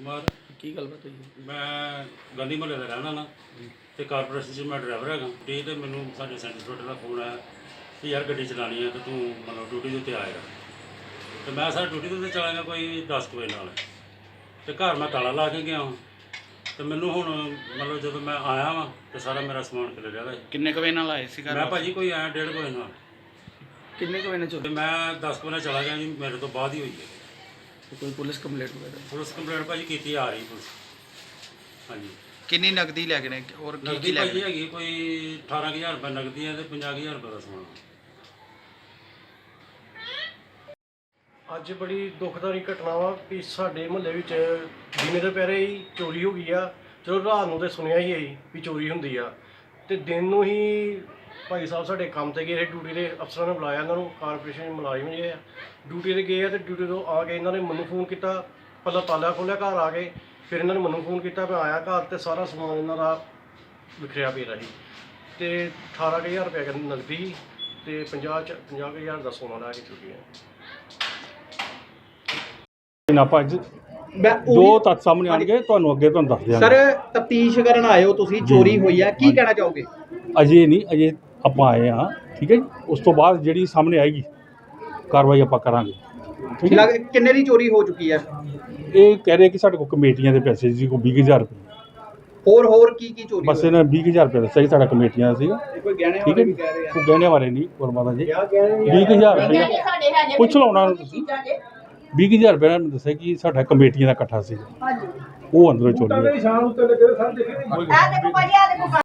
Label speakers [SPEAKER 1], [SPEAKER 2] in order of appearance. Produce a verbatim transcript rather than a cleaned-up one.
[SPEAKER 1] ਕੁਮਾਰ
[SPEAKER 2] ਕੀ ਗੱਲਬਾਤ ਹੋਈ?
[SPEAKER 1] ਮੈਂ ਗਾਂਧੀ ਮੁਹੱਲੇ ਦਾ ਰਹਿਣਾ ਨਾ ਤੇ ਕਾਰਪੋਰੇਸ਼ਨ 'ਚ ਮੈਂ ਡਰਾਈਵਰ ਹੈਗਾ ਤੇ ਤੇ ਮੈਨੂੰ ਸਾਡੇ ਸੈਂਟਰ ਤੁਹਾਡੇ ਦਾ ਫੋਨ ਆਇਆ ਕਿ ਯਾਰ ਗੱਡੀ ਚਲਾਉਣੀ ਹੈ ਤੇ ਤੂੰ ਮਤਲਬ ਡਿਊਟੀ ਦੇ ਉੱਤੇ ਆਏਗਾ ਤੇ ਮੈਂ ਸਰ ਡਿਊਟੀ ਦੇ ਉੱਤੇ ਚਲਾ ਗਿਆ ਕੋਈ ਦਸ ਕੁ ਵਜੇ ਨਾਲ ਤੇ ਘਰ ਮੈਂ ਤਾਲਾ ਲਾ ਕੇ ਗਿਆ ਹਾਂ ਤੇ ਮੈਨੂੰ ਹੁਣ ਮਤਲਬ ਜਦੋਂ ਮੈਂ ਆਇਆ ਵਾਂ ਤੇ ਸਾਰਾ ਮੇਰਾ ਸਮਾਨ ਖਿਲ ਰਿਹਾ ਹੈ।
[SPEAKER 2] ਕਿੰਨੇ ਕੁ ਵਜੇ ਨਾਲ ਆਏ ਸੀ ਘਰ?
[SPEAKER 1] ਮੈਂ ਭਾਜੀ ਕੋਈ ਆਇਆ ਡੇਢ ਕੁ ਵਜੇ ਨਾਲ
[SPEAKER 2] ਕਿੰਨੇ ਕੁ ਵਜੇ ਨਾਲ
[SPEAKER 1] ਤੇ
[SPEAKER 2] ਚੋਰੀ?
[SPEAKER 1] ਮੈਂ ਦਸ ਕੁ ਵਜੇ ਚਲਾ ਗਿਆ ਜੀ, ਮੇਰੇ ਤੋਂ ਬਾਅਦ ਹੀ ਹੋਈ ਹੈ।
[SPEAKER 2] ਤੇ ਕੋਈ ਪੁਲਿਸ ਕੰਪਲੇਂਟ ਵਗੈਰਾ?
[SPEAKER 1] ਪੁਲਿਸ ਕੰਪਲੇਂਟ ਭਾਜੀ ਕੀਤੀ ਆ ਰਹੀ ਪੁਲਿਸ। ਹਾਂਜੀ
[SPEAKER 2] ਕਿੰਨੀ ਨਗਦੀ ਲੈ ਗਏ ਨੇ ਔਰ ਕੀ ਕੀ
[SPEAKER 1] ਨਗਦੀ
[SPEAKER 2] ਲੈ
[SPEAKER 1] ਭਾਜੀ
[SPEAKER 2] ਗਏ?
[SPEAKER 1] ਹੈਗੀ ਕੋਈ ਅਠਾਰਾਂ ਕੁ ਹਜ਼ਾਰ ਰੁਪਏ ਨਗਦੀ ਹੈ ਤੇ ਪੰਜਾਹ ਕੁ ਹਜ਼ਾਰ ਰੁਪਏ ਦਾ ਸਮਾਨ।
[SPEAKER 3] ਅੱਜ ਬੜੀ ਦੁਖਦਾਈ ਘਟਨਾ ਵਾ ਕਿ ਸਾਡੇ ਮੁਹੱਲੇ ਵਿੱਚ ਦਿਨੇ ਦੁਪਹਿਰੇ ਹੀ ਚੋਰੀ ਹੋ ਗਈ ਆ। ਚਲੋ ਰਾਤ ਨੂੰ ਤੇ ਸੁਣਿਆ ਹੀ ਹੈ ਵੀ ਚੋਰੀ ਹੁੰਦੀ ਆ ਤੇ ਦਿਨ ਨੂੰ ਹੀ ਭਾਈ ਸਾਹਿਬ ਸਾਡੇ ਕੰਮ ਤੇ ਗਏ, ਡਿਊਟੀ ਦੇ ਅਫਸਰਾਂ ਨੇ ਬੁਲਾਇਆ ਇਹਨਾਂ ਨੂੰ, ਕਾਰਪੋਰੇਸ਼ਨ ਮੁਲਾਜ਼ਮ ਜਿਹੜੇ ਆ ਡਿਊਟੀ ਤੇ ਗਏ ਆ ਤੇ ਡਿਊਟੀ ਤੋਂ ਆ ਕੇ ਇਹਨਾਂ ਨੇ ਮੈਨੂੰ ਫੋਨ ਕੀਤਾ। ਪਹਿਲਾਂ ਤਾਲਾ ਖੋਲ੍ਹਿਆ ਘਰ ਆ ਕੇ, ਫਿਰ ਇਹਨਾਂ ਨੇ ਮੈਨੂੰ ਫੋਨ ਕੀਤਾ। ਮੈਂ ਆਇਆ ਘਰ ਤੇ ਸਾਰਾ ਸਮਾਨ ਇਹਨਾਂ ਦਾ ਵਿਖਰਿਆ ਪਿਆ ਸੀ ਤੇ ਅਠਾਰਾਂ ਕੁ ਹਜ਼ਾਰ ਰੁਪਏ ਨਗਦੀ ਸੀ ਤੇ ਪੰਜਾਹ ਚ ਪੰਜਾਹ ਕੁ ਹਜ਼ਾਰ ਦਾ ਸੋਨਾ ਲੈ ਕੇ ਚੁੱਕੀ ਹੈ।
[SPEAKER 4] ਨਾ ਭੱਜ
[SPEAKER 5] ਮੈਂ
[SPEAKER 4] ਜੋ ਤੱਥ ਸਾਹਮਣੇ ਆਣਗੇ ਤੁਹਾਨੂੰ ਅੱਗੇ ਤੁਹਾਨੂੰ ਦੱਸ ਦਿਆਂਗੇ।
[SPEAKER 5] ਸਰ ਤਫਤੀਸ਼ ਕਰਨ ਆਏ ਹੋ ਤੁਸੀਂ, ਚੋਰੀ ਹੋਈ ਆ, ਕੀ ਕਹਿਣਾ ਚਾਹੋਗੇ?
[SPEAKER 4] ਅਜੇ ਨਹੀਂ, ਅਜੇ ਆਪਾਂ ਆਏ ਹਾਂ, ਠੀਕ ਹੈ ਜੀ। ਉਸ ਤੋਂ ਬਾਅਦ ਜਿਹੜੀ ਸਾਹਮਣੇ ਆਏਗੀ ਕਾਰਵਾਈ ਆਪਾਂ ਕਰਾਂਗੇ, ਠੀਕ ਹੈ।
[SPEAKER 5] ਲੱਗ ਕਿੰਨੇ ਦੀ ਚੋਰੀ ਹੋ ਚੁੱਕੀ ਹੈ?
[SPEAKER 4] ਇਹ ਕਹਿ ਰਹੇ ਕਿ ਸਾਡੇ ਕੋਲ ਕਮੇਟੀਆਂ ਦੇ ਪੈਸੇ ਸੀ ਕੋਈ ਵੀਹ ਹਜ਼ਾਰ ਰੁਪਏ,
[SPEAKER 5] ਹੋਰ ਹੋਰ ਕੀ ਕੀ ਚੋਰੀ
[SPEAKER 4] ਬਸ ਇਹਨਾਂ ਵੀਹ ਹਜ਼ਾਰ ਰੁਪਏ ਦੱਸਿਆ ਸੀ ਸਾਡਾ ਕਮੇਟੀਆਂ ਦਾ ਸੀਗਾ,
[SPEAKER 5] ਕੋਈ ਗਹਿਣੇ
[SPEAKER 4] ਠੀਕ ਹੈ ਜੀ। ਕੋਈ ਗਹਿਣੇ ਬਾਰੇ ਨਹੀਂ ਗੁਰਮਾਤਾ ਜੀ, ਵੀਹ ਹਜ਼ਾਰ ਰੁਪਏ ਪੁੱਛ ਲਓ ਉਹਨਾਂ ਨੂੰ ਤੁਸੀਂ। ਵੀਹ ਹਜ਼ਾਰ ਰੁਪਏ ਨਾਲ ਦੱਸਿਆ ਕਿ ਸਾਡਾ ਕਮੇਟੀਆਂ ਦਾ ਇਕੱਠਾ ਸੀ, ਉਹ ਅੰਦਰੋਂ ਚੋਰੀ ਹੋਇਆ।